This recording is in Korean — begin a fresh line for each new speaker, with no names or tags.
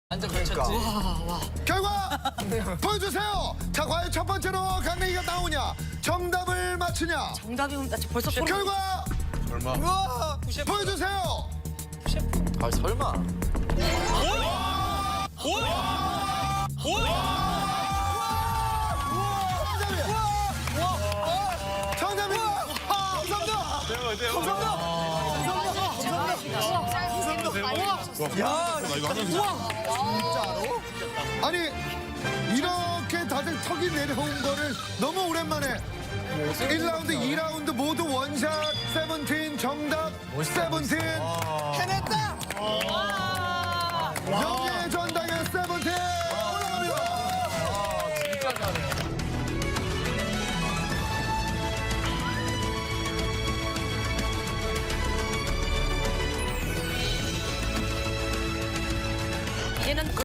완전 그쳤지.
결과 보여주세요. 자, 과연 첫 번째로 강냉이가 나오냐? 정답을 맞추냐?
정답이 나 벌써
결과
우와,
보여주세요.
아 설마.
정답이야. 아니 이렇게 다들 턱이 내려온 거를 너무 오랜만에 1라운드, 2라운드 모두 원샷 세븐틴 정답 세븐틴 해냈다. 영예의 전당의 세븐틴 올라갑니다.
진짜 잘해.
얘는